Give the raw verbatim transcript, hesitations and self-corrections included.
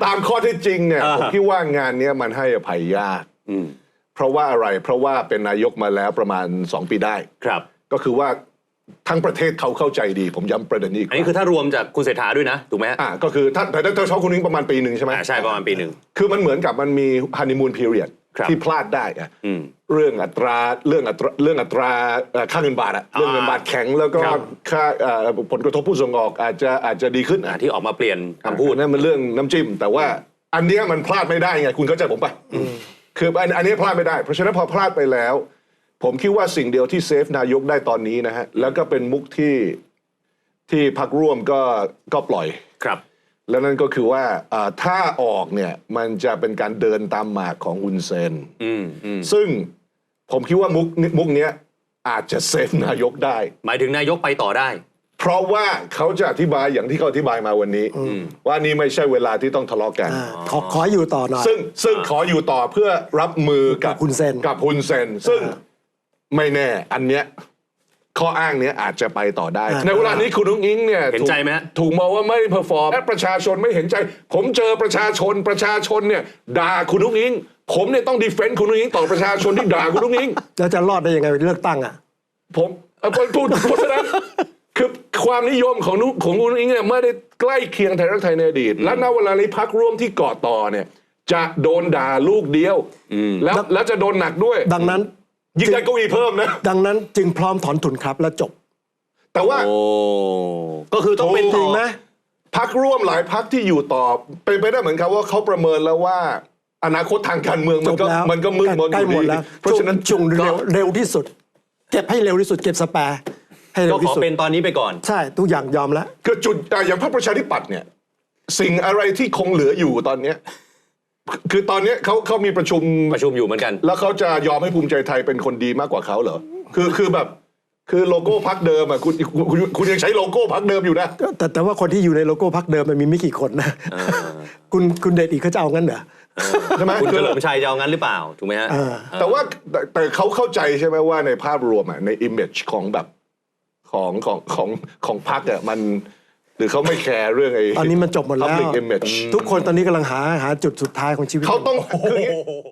ตามข้อเท็จจริงเนี่ยผมคิดว่างานนี้มันให้อภัยยากเพราะว่าอะไรเพราะว่าเป็นนายกมาแล้วประมาณสองปีได้ครับก็คือว่าทั้งประเทศเขาเข้าใจดีผมย้ำประเด็นนี้อันนี้คือถ้ารวมจากคุณเศรษฐาด้วยนะถูกไหมฮะอ่าก็คือถ้าแต่ถ้าเขาคนนึงประมาณปีหนึ่งใช่ไหมใช่ประมาณปีหนึ่งคือมันเหมือนกับมันมีฮันนีมูนพีเรียดที่พลาดได้อะเรื่องอัตราเรื่องอัตราเรื่องอัตราค่าเงินบาทอะเรื่องเงินบาทแข็งแล้วก็ค่าผลกระทบผู้ส่งออกอาจจะอาจจะดีขึ้นที่ออกมาเปลี่ยนคำพูดนั่นมันเรื่องน้ำจิ้มแต่ว่าอันนี้มันพลาดไม่ได้ไงคุณเข้าใจผมปะคืออันอันนี้พลาดไม่ได้เพราะฉะนั้นพอพลาดไปแล้วผมคิดว่าสิ่งเดียวที่เซฟนายกได้ตอนนี้นะฮะแล้วก็เป็นมุกที่ที่พรรคร่วมก็ก็ปล่อยครับแล้วนั่นก็คือว่าถ้าออกเนี่ยมันจะเป็นการเดินตามหมากของฮุนเซนซึ่งผมคิดว่ามุกมุกเนี้ยอาจจะเซฟนายกได้หมายถึงนายกไปต่อได้เพราะว่าเขาจะอธิบายอย่างที่เขาอธิบายมาวันนี้ว่านี่ไม่ใช่เวลาที่ต้องทะเลาะกันขอขออยู่ต่อหน่อยซึ่งซึ่งขออยู่ต่อเพื่อรับมือกับฮุนเซนกับฮุนเซนซึ่งไม่แน่อันเนี้ยข้ออ้างเนี้ยอาจจะไปต่อได้ในเวลานี้คุณนุ้งอิงเนี่ยเห็นใจไหมถูกมองว่าไม่เพอร์ฟอร์มและประชาชนไม่เห็นใจผมเจอประชาชนประชาชนเนี่ยด่าคุณนุ้งอิงผมเนี่ยต้องดีเฟนต์คุณนุ้งอิงต่อประชาชนที่ด่าคุณนุ้งอิงแล้วจะรอดได้ยังไงเลือกตั้งอ่ะผมพูดเพราะฉะนั้นคือความนิยมของนุของคุณนุ้งอิงเนี่ยไม่ได้ใกล้เคียงไทยรักไทยในอดีตและณเวลานี้พรรคร่วมที่เกาะต่อเนี่ยจะโดนด่าลูกเดียวแล้วแล้วจะโดนหนักด้วยดังนั้นยิ่งได้เก้าอี้เพิ่มนะดังนั้นจึงพร้อมถอนทุนครับแล้วจบแต่ว่าก็คือต้องเป็นจริงไหมพรรคร่วมหลายพรรคที่อยู่ต่อเป็นไปได้เหมือนกันว่าเขาประเมินแล้วว่าอนาคตทางการเมืองมันก็มันก็มืดมนอยู่ดีเพราะฉะนั้นช่วงเร็วเร็วที่สุดเก็บให้เร็วที่สุดเก็บสแปร์ให้เร็วที่สุดก็ขอเป็นตอนนี้ไปก่อนใช่ทุกอย่างยอมแล้วคือจุดอย่างพรรคประชาธิปัตย์เนี่ยสิ่งอะไรที่คงเหลืออยู่ตอนเนี้ยคือตอนนี้เขาเขามีประชุมประชุมอยู่เหมือนกันแล้วเขาจะยอมให้ภูมิใจไทยเป็นคนดีมากกว่าเขาเหรอคือคือแบบคือโลโก้พรรคเดิมอ่ะคุณคุณคุณยังใช้โลโก้พรรคเดิมอยู่นะแต่แต่ว่าคนที่อยู่ในโลโก้พรรคเดิมมันมีไม่กี่คนนะคุณคุณเดชอีกเขาจะเอางั้นเหรอใช่ไหมคุณเฉลิมชัยจะเอางั้นหรือเปล่าถูกไหมฮะแต่ว่าแต่เขาเข้าใจใช่ไหมว่าในภาพรวมอ่ะในอิมเมจของแบบของของของของพรรคอ่ะมันหรือเขาไม่แคร์เรื่องไอ้ตอนนี้มันจบหมดแล้ว public image ทุกคนตอนนี้กำลังหาหาจุดสุดท้ายของชีวิตเขาต้อง